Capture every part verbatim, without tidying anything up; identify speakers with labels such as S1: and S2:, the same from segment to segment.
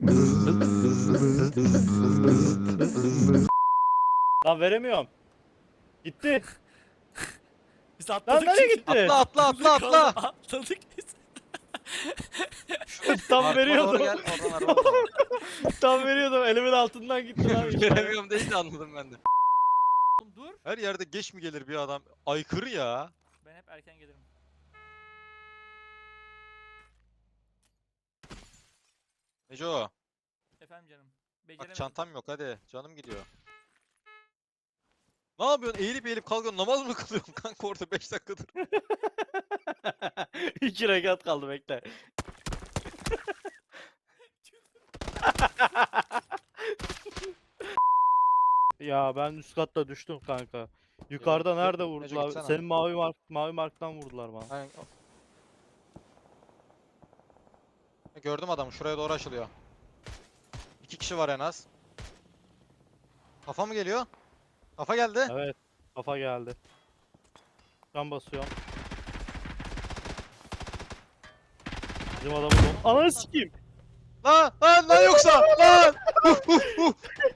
S1: Lan veremiyorum. Gitti.
S2: Biz
S1: Lan
S2: atladık.
S1: nereye gitti?
S3: Atla atla atla atla.
S2: Atladık biz.
S1: Tam
S3: Arkama doğru
S1: veriyordum.
S3: gel. Oradan araba var.
S1: Tam veriyordum. Elimin altından gitti lan işte.
S3: Veremiyorum deyince anladım ben de.
S2: Dur.
S3: Her yerde geç mi gelir bir adam? Aykırı ya.
S2: Ben hep erken gelirim.
S3: Neco.
S2: Efendim canım.
S3: Bak
S2: Beceremedim.
S3: çantam yok hadi. Canım gidiyor. Ne yapıyorsun? Eğilip eğilip kalkıyorsun. Namaz mı kılıyorsun kanka orada beş dakikadır?
S1: İki rekat kaldı bekle. Ya ben üst katta düştüm kanka. Yukarıda
S3: Yok,
S1: nerede
S3: Neco
S1: vurdular?
S3: gitsene.
S1: Senin mavi mark mavi marktan vurdular bana.
S3: Aynen. Gördüm adamı. Şuraya doğru açılıyor. İki kişi var en az. Kafa mı geliyor? Kafa geldi.
S1: Evet. Kafa geldi. Can basıyorum. Bizim adamı don. Ananı sikeyim.
S3: Lan lan lan yoksa lan. Huh, huh, huh.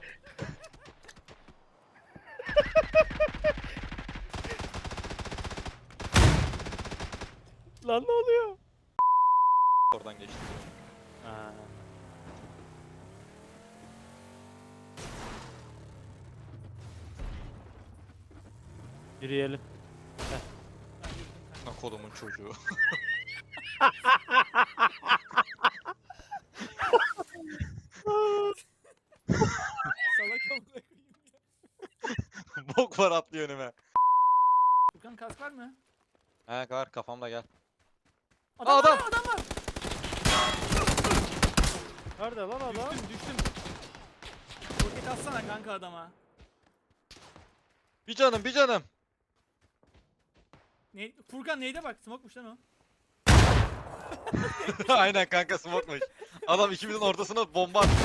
S1: Lan ne oluyor?
S3: Oradan geçti.
S1: Ha. Yürüyelim.
S3: Lan kolumun çocuğu.
S2: Salak amına koyayım.
S3: Bok var atlıyor önüme.
S2: Furkan kask var mı?
S3: He var kafamda gel.
S2: Adam,
S3: Adam!
S2: var, adam var.
S1: Nerede lan adam?
S2: Düştüm düştüm. Roket atsana kanka adama.
S3: Bir canım bir canım.
S2: Ne? Furkan neyde bak? Smoke'muş lan o.
S3: Aynen kanka smoke'muş. Adam ikimizin ortasına bomba attı.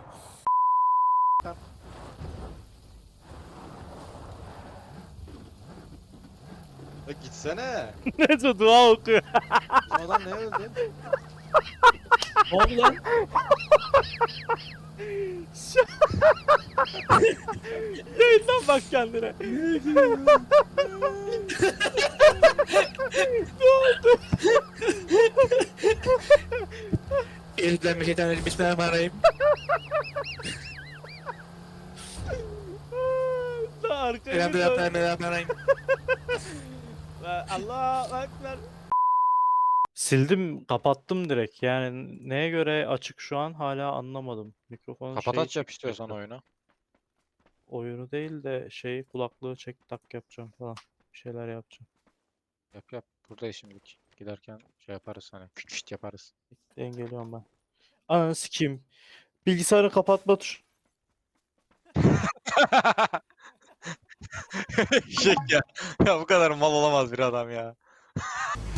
S3: Ya gitsene.
S1: Neyse dua okuyor.
S3: Bu adam ne öldü?
S1: Ne oldu lan? Yayından bak kendine.
S4: Euzubillahimineşşeytanirracim. Bismillahirrahmanirrahim.
S1: Daha arkaya
S4: Elhamdülillah.
S1: gidiyor.
S4: Bismillahirrahmanirrahim.
S1: Allah ekber. Sildim, kapattım direkt. Yani neye göre açık şu an hala anlamadım. Mikrofonun
S3: Kapat
S1: şeyi
S3: aç yap
S1: çek-
S3: istiyorsan oyunu.
S1: oyunu değil de şey kulaklığı çek tak yapacağım falan. Bir şeyler yapacağım.
S3: Yap yap. Buradayız şimdilik. Giderken şey yaparız hani. Küt küt yaparız.
S1: Dengeliyorum ben. Ananı sikeyim. Bilgisayarı kapatma tuş.
S3: Şek ya. Ya bu kadar mal olamaz bir adam ya.